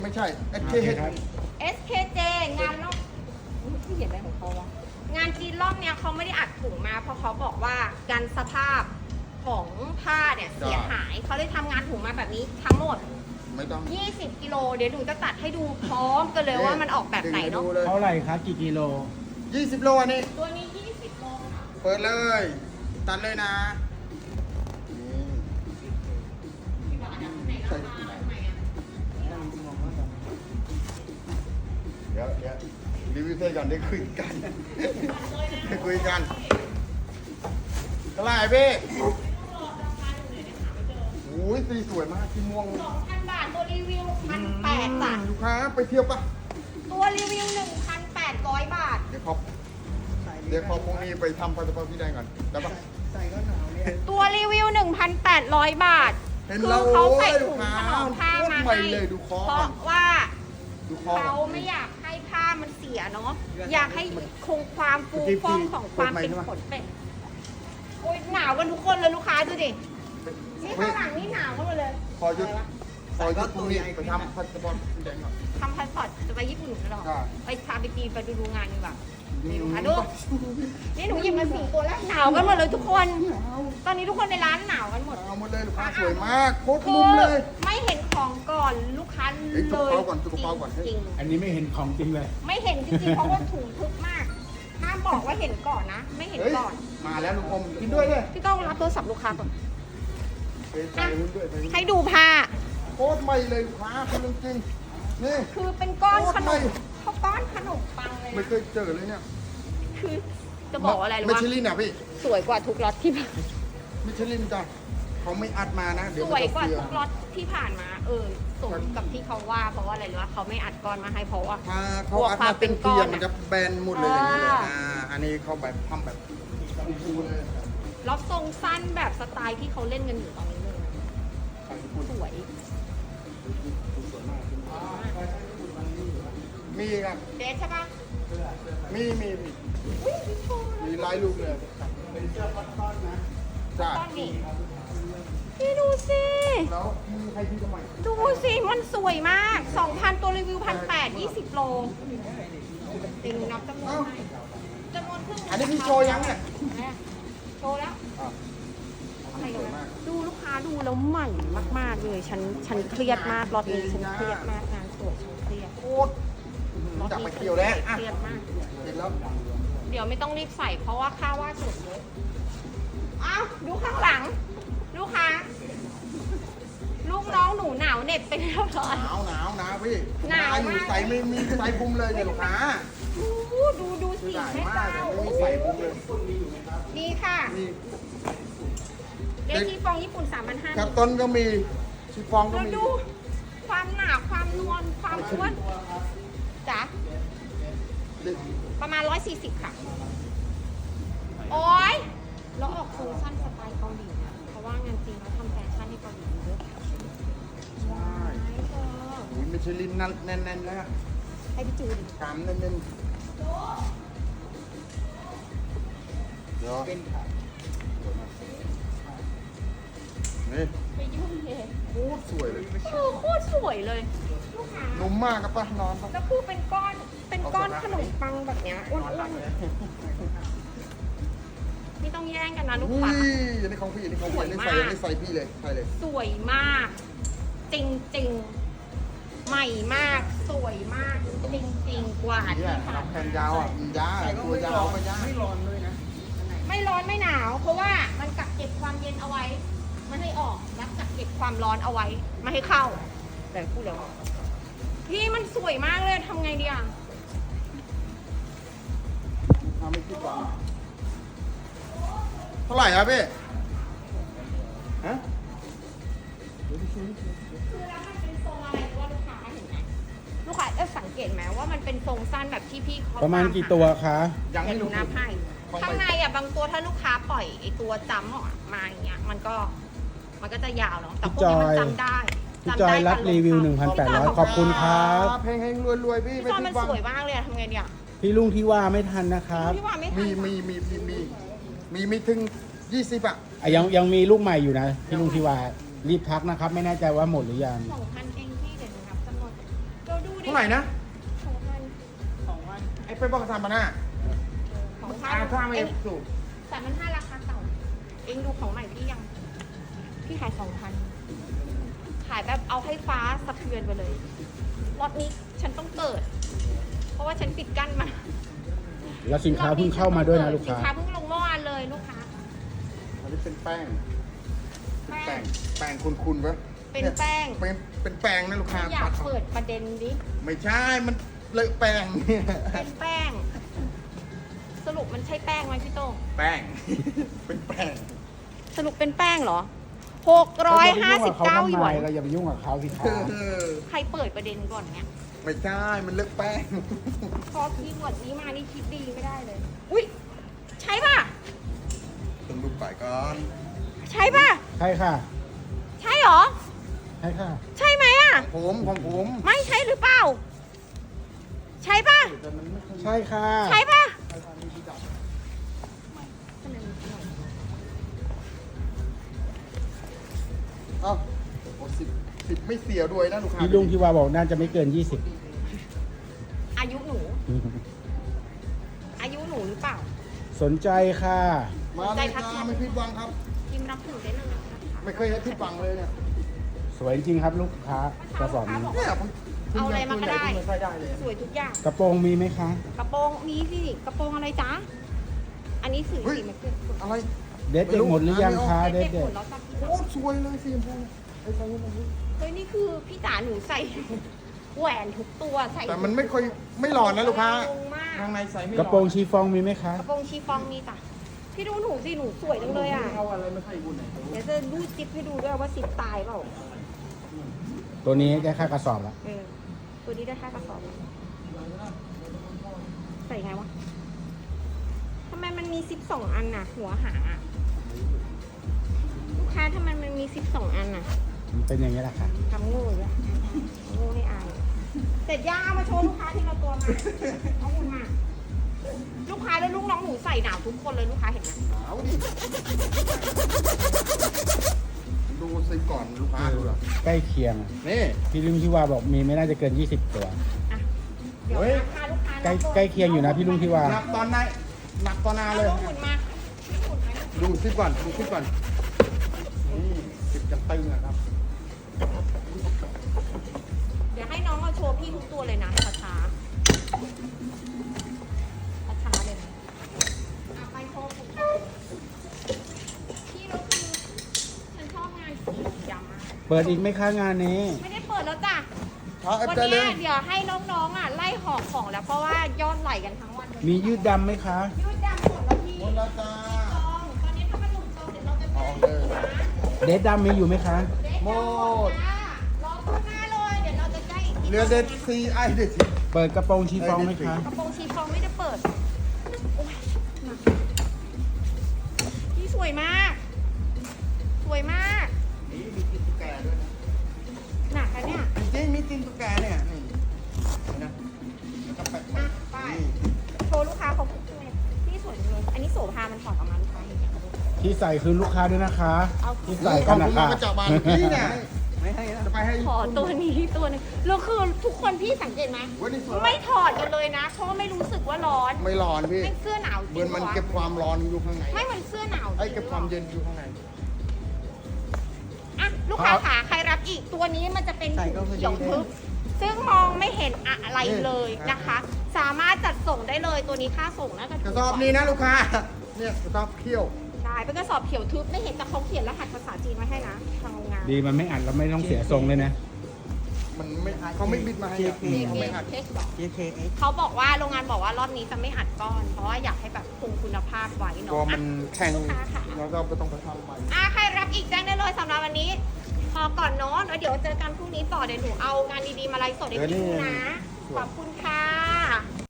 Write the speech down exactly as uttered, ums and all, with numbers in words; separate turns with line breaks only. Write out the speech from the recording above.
ไม่ใช่ เอส เค
เอส เค เจ งานนอกที่เห็นอะไรของเขาวะงานจีนรอบเนี้ยเขาไม่ได้อัดถุงมาเพราะเขาบอกว่าการสภาพของผ้าเนี่ยเสียหายเขาเลยทำงานถุงมาแบบนี้ทั้งหมด
ไม่ต้อง
ยี่สิบกิโลเดี๋ยวหนูจะตัดให้ดูพร้อมกันเลยว่ามันออกแบบไหนเนาะ
เท่าไหร่คะกี่กิโล
ยี่สิบโลอันนี้
ตัวนี้ยี่สิบโลค่ะ
เปิดเลยตัดเลยนะเดี๋ยวเดี๋ยวรีวิวเสร็จก่อนได้คุยกันได้คุยกันเท่าไหร่พี่โอ้ยสีสวยมากสีม่วง
สองพันบาทตัวรีวิวพันแปดบาท
ลูกค้าไปเที่ยวปะ
ตัวรีวิวหนึ่งพันแปดร้อยบาท
เดี๋ยวขอเดี๋ยวขอพวกนี้ไปทำพาสปอร์ตพี่ได้ก่อนได้ปะ
ตัวรีวิวหนึ่งพันแปดร้อยบาทคือเขาใส่ถุงถนอมผ้ามาให้เพราะว่าเขาไม่อยากให้ผ้ามันเสียเนาะอยากให้คงความฟูฟ่องของความเป็นขนเป็ดโอ้ยหนาวกันทุกคนเลยลูกค้าดูดินี่ข้างหลังนี่หนาวกันหมดเลย
ขอหยุดขอหยุดพรุ่งนี้ไปทำพาสปอร์ตพี่ได้ก่อน
ทำพาสปอร์ตจะไปญี่ปุ่นกันหรอไปพาไปจีนไปดูดูงานดีกว่านี่ลูกค้าดูนี่หนูหยิบมาสี่ตัวแล้วหนาวกันหมดเลยทุกคนตอนนี้ทุกคนในร้านหนาวกันหมด
หนาวหมดเลยลูกค้าสวยมากโคตรมุมเลย
ไม่เห็นของก่อนลูกค้าเลยจริง
อันนี้ไม่เห็นของจริงเลย
ไม่เห็นจริงๆเพราะว่าถุงทึบมากห้ามบอกว่าเห็นก่อนนะไม่เห็นก่อน
มาแล้วลูกอมกินด้วยเลย
พี่ต้องรับโทรศัพท์ลูกค้าก่อนให้ดูผ้า
โคตรใหม่เลยลูกค้าคุณจริงนี่
คือเป็นก้อนขนมเขาก้อนขนมปังเลย
ไม่เคยเจอเลยเนี่ย
คือจะบอกอะไรรู้
ไหมมิชลินอ่ะพี่
สวยกว่าทุกล็อตที่ผ่าน
มิชลินจ้ะเขาไม่อัดมานะเดี๋ยว
สวยกว่าทุกล็อตที่ผ่านมาเออสมกับที่เขาว่าเพราะว่าอะไรรู้ว่าเขาไม่อัดก้อนมาให้เพราะว่า
เขาอัดมาเป็นก้อนมันจะแบนหมดเลยอย่างนี้เลยอ่าอันนี้เขาแบบทำแบบฟูๆเลย
ล็อตทรงสั้นแบบสไตล์ที่เขาเล่นกันอยู่ตอนนี้เลยสวย
มีครับ
เดทใช่ปะ
มีมีมีมีลายลูกเลยเป็นเสื้อคอตตอนนะจ้า
พี่ดูสิ
แล้วมีใครที่จะใหม่
ดูสิมันสวยมาก สองพัน ตัวรีวิว หนึ่งพันแปดร้อย ยี่สิบโลเต็งนับจำนวนให้จำนวนครึ่ง
อันนี้พี่โชว์ยังเนี่ย
โชว์แล้วอะไรกันดูลูกค้าดูแล้วใหม่มากๆเลยฉันฉันเครียดมากรอบนี้ฉันเครียดมากงานสวยฉันเครียด
โคตรจับไปเกี่ยวแล้ว
เครียดมาก
เห็นแล้ว
เดี๋ยวไม่ต้องรีบใส่เพราะว่าค่าว่าสุดเยอะอ้าวดูข้างหลังลูกค้าลูกน้องหนูหนาวเหน็บไปเรียบร้อย
หนาวหนาวหนาวพี่หนาวอยู่ใส่ไม่มีใส่ปุ้มเลยเนี่ยลูกค้า
ดูดูดูสีแม่เจ้า
ไม่ใส่ปุ้มเลย
นี่ค่ะเดชีฟองญี่ปุ่น สามพันห้าร้อย
กับต้นก็มีชีฟองก็มี
ดูความหนาความนวลความอ้วนจ้ะประมาณหนึ่งร้อยสี่สิบค่ะโอ๊ยแล้วออกทรงสั้นสไตล์เกาหลีนะเพราะว่างานจริงเขาทำแฟชั่นให้เกาหลีเยอะ
ใช่อุ้ยมิชลินแน่นๆแล้ว
ให้พี่จูดิ
กามแน่นๆเดี๋ยวนี่
ไปยุ่งเลย
โคตรสวยเลย
เออโคตรสวยเลย
นุ่มมากครับป้านอน
แล้วคือเป็นก้อนเป็นก้อนขนมปังแบบเนี้ยอ้วนๆนี่ต้องแย่งกันนะลูกค้า
อันนี้ของพี่อันนี้ของพี่อันนี้ใส่อันนี้ใส่พี่เลยใส่เลย
สวยมากจริงจริงใหม่มากสวยมากจริงจริงกว่าที่ผ่าน
แขนยาวอ่ะยาวตัวยาวไม่ยาวไม่ร้อนเลยนะ
ไม่ร้อนไม่หนาวเพราะว่ามันกักเก็บความเย็นเอาไว้ไม่ให้ออกและกักเก็บความร้อนเอาไว้ไม่ให้เข้าแต่พูดแล้วพี่มันสวยมากเลยทำไงดีอ่ะ
ทำไม่คิดว่าเท่าไหร่ครับพี่ฮะ
คือแล้วมันเป็นทรงอะไรว่าลูกค้าเห็นไหมลูกค้าจะสังเกตไหมว่ามันเป็นทรงสั้นแบบที่พี่เขา
ประมาณกี่ตัวคะ
ยังไม่รู้
นับให้ข้างในอ่ะบางตัวถ้าลูกค้าปล่อยไอตัวจำออกมาอย่างเงี้ยมันก็มันก็จะยาวเนาะแต่พวกนี้มันจำได้
พี่จอยรับรีวิว หนึ่งพันแปดร้อย ขอบคุณครับ
เพลงเพลงรวยๆพี่
พี่จอยมันสวยมากเลยทำไงเนี่ย
พี่ลุงที่ว่าไม่ทันนะครับ
มีมีมีมีมีมีมีถึงยี่สิบอ่ะ
ยังยังมีลูกใหม่อยู่นะพี่ลุงที่ว่ารีบทักนะครับไม่แน่ใจว่าหมดหรือยัง
สองพันเองพี่เดี๋ยวนับจำนวน
ท่าไหร่นะ
สองพัน
สองพันไอ้ไปบอกทำมาหน้า
สองพัน
อาถ้าไม่
เอง
ถูก
สามพันห้าราคาเก่า เองดูของใหม่พี่ยัง พี่ขายสองพันขายแบบเอาให้ฟ้าสะเทือนไปเลยรอบนี้ฉันต้องเปิด เพราะว่าฉันปิดกั้นมา
แล้วสินค้าเพิ่งเข้ามาด้วยนะลูก
สิ
ค้า
นค้าเพิ่งลงเมื่อวานเลยลูกค้า
อันนี้เป็นแป้งเป็น
แป้
แป้
ง
งแป้งคุณๆปะ
เป็นแป้ง
เป็นเป็นแป้งนะลูกค้า
อยากเปิดประเด็นดิ
ไม่ใช่มันเลอะแป้งเนี่ย
เป็นแป้ง สรุปมันใช่แป้งไหมพี่โต้ง
แป้ง เป็นแป้ง
สรุปเป็นแป้งเหรอหกร้อยห้าสิบเก้าหยวน
เราอย่าไปยุ่งกับเขาสิครับ
เออ
ใครเปิดประเด็นก่อนเนี่ย
ไม่ใช่มันเลอะแป้ง
พอคีย์เวิร์ดนี้มานี่คิดดีไม่ได้เลย อุ้ยใช่ป่ะ
ต้องดูไปก่อน
ใช่ป่ะ
ใช่ค่ะ
ใช่เหรอ
ใช่ค่ะ
ใช่ไหมอ่ะ
ผมของผม
ไม่ใช่หรือเปล่า ใช่ป่ะ
แต่มันไม่ค่อย
ใช่ค่ะ
ใช่ป่ะ
ใช่ทางนี้ที่ดับเอ้าโอ้สิบสิบไม่เสียด้วยนะลูกค้า
พี่ลุงที่ว่าบอกน่าจะไม่เกินยี่สิบ
อายุหนู อายุหนูหรือเปล่า
สนใจค่ะ
มาเลยจ้าไม่ผิดหวังครับ
พิมพ์รับหนูได้เลยนะคะ
ไม่เคยให้ผิดหวังเลยเนี่ย
สวยจริงครับลูกค้ากระสอบนี้
เนี่ยผม
เอาอะไรมาก็ได้
ไม่ค่อยได้เลย
สวยทุกอย่าง
กระโปรงมีไหมคะ
กระโปรงมีสิกระโปรงอะไรจ๊ะ อันนี้สีสีมันคือ
อะไร
เด็ดเด็กหมดหรือยังคะเด็ด
เด็
เด็
ก
ด
ๆแล้วจ้ะ
โอ้สวยเลยสีชมพูไอ้ใส่ยังไง
เฮ้ยนี่คือพี่จ๋าหนูใส่ แหวนทุกตัวใส่
แต่มันไม่ค่อยไม่หลอนนะลูกค้า
ลงมาก
ข้างในใส่ไม่หล
ก
อน
ระโปรงชีฟองมีไหมคะ
กระโปรงชีฟองมีจ้ะพี่ดูหนูสิหนูสวยจังเลยอ่ะ
เอาอะไรไม่ใส่บุญไหน
เดี๋ยวจะรูดซิปให้ดูด้วยว่าซิปตายเปล่า
ตัวนี้ได้ค่ากระสอบละ
เออตัวนี้ได้ค่ากระสอบไหมใส่ไงวะทำไมมันมีซิปสองอันน่ะ หัวหางอ่ะลูกค้าทำไมมันมีซิปสองอันน่ะ
มันเป็นอย่างนี้แหละค่ะ
ทำโง่เลยโง่ไม่อายเสร็จย่าเอามาโชว์ลูกค้าทีละตัวมาเอาหุ่นมา ลูกค้าแล้วลูกน้องหนูใส่หนาวทุกคนเลยลูกค้าเห็นไหม
หนาวดิดูซิก่อนลูกค้าดูหรอ
ใกล้เคียง
นี่
พี่ลุงที่ว่าบอกมีไม่น่าจะเกินยี่สิบตัว
อ่ะเดี๋ยวราคาลูกค้า
ใกล้ใกล้เคียงอยู่นะพี่ลุงที่ว่า
หนักตอนไหนหนักตอนนา
เอา
เลย
ลูกหุ่นมาหุ่นไหม
ดูซิก่อนดูซิก่อนนี่สิบจะตึงนะครับ
เดี๋ยวให้น้องมาโชว์พี่ทุกตัวเลยนะช้าช้าช้าๆเลยนะอ่ะไปโชว์ผมพี่เราคือฉันชอบงานสีดำมาก
เปิดอีกไหมคะงานนี้
ไม่ได้เปิดแล้วจ้ะ
พาเอฟ
วัน
ได้เล
เนี้ย
ย
เดี๋ยวให้น้องๆอ่ะไล่หอบของแล้วเพราะว่ายอดไหลกันทั้งวันเลย
มียืดดำไหมคะ
ยืดดำหมดแล้วพี่
หมดแล้วจ้า
จองตอนนี้ถ้ามันหลุดจองเดี๋ยวเราจะ
เอา
แจ้ง
เลย
เด็ดดำมีอยู่ไหมคะ
หมด
รอข้างหน้าเลยเดี๋ยวเราจะแจ้งอีกที
เรือเด็ดซีไอเด็ดซี
เปิดกระโปรงชีฟองไหมคะ
กระโปรงชีฟองไม่ได้เปิดโอ๊ยมาพี่สวยมาก สวยมาก
นี่มีกินตุ๊กแกด้วยนะ
หนักอะเนี่ย
จริงๆมีกินตุ๊กแกเนี่ยนี่เห็นนะแล้วก็แปะ
อ่ะไปโชว์ลูกค้าเขาพูดเลยพี่สวยจังเลยอันนี้โสภามันถอดออกมาลูกค้าเห็นไหม
ที่ใส่คือลูกค้าด้วยนะคะ
เอา
ที่
ใส่
ใส่
กั
กัน น
นะ
นะ
ครั
คะ
บมาจากบ้านพี่เนี่ยไม่ให้นะจะไปให้
ขอตัวนี้ตัวหนึงแล้วคือทุกคนพี่สังเกตไหม
วันนี้สวย
ไม่ถอดกันเลยนะ เพราะว่าไม่รู้สึกว่าร้อน
ไม่ร้อนพี่
ไม่เสื้อหนาวจ
เห
ริ
มือง นมันเก็บความร้อนอยู่ข้างใน
ไม่เหมือนเสื้อหนาวจริง
ไอ้เก็บความเย็นอยู่ข้างใน
อ่ะลูกค้าขาใครรับอีกตัวนี้มันจะเป็นถุงเขียวทึบซึ่งมองไม่เห็นอะไรเลยนะคะ สามารถจัดส่งได้เลยตัวนี้ค่าส่งน่าจะ
ก
ถู
ระ
ก
สอบนี้นะลูกค้า เนี่ยกระสอบเขี้ยว
ใช่เป็นกระสอบเขียวทึบไม่เห็นแต่เขาเขียนรหัสภาษาจีนไว้ให้นะทางโรงงาน
ดีมันไม่อัดแล้วไม่ต้องเสียทรงเลยนะ
มันไม่เขาไม่บิดมาให้อะ
มี
เขา
เก
ไม่
ม
อัด
เทสบอกเขาบอกว่าโรงงานบอกว่ารอบนี้จะไม่อัดก้อน เพราะว่าอยากให้แบบคงคุณภาพไว้
กลั
เนาะ
วมันแข็ง
ลูกค้าค่ะ
แล้วก็ไม่ต้องไปทำใหม่
อ่ะใครรับอีกแจ้งได้เลยสำหรับวันนี้ พอก่อนเนาะแล้วเดี๋ยวเจอกันพรุ่งนี้ต่อเดี๋ยวหนูเอางานดีๆมาไลฟ์สดให้พี่ดูนะ ขอบคุณค่ะ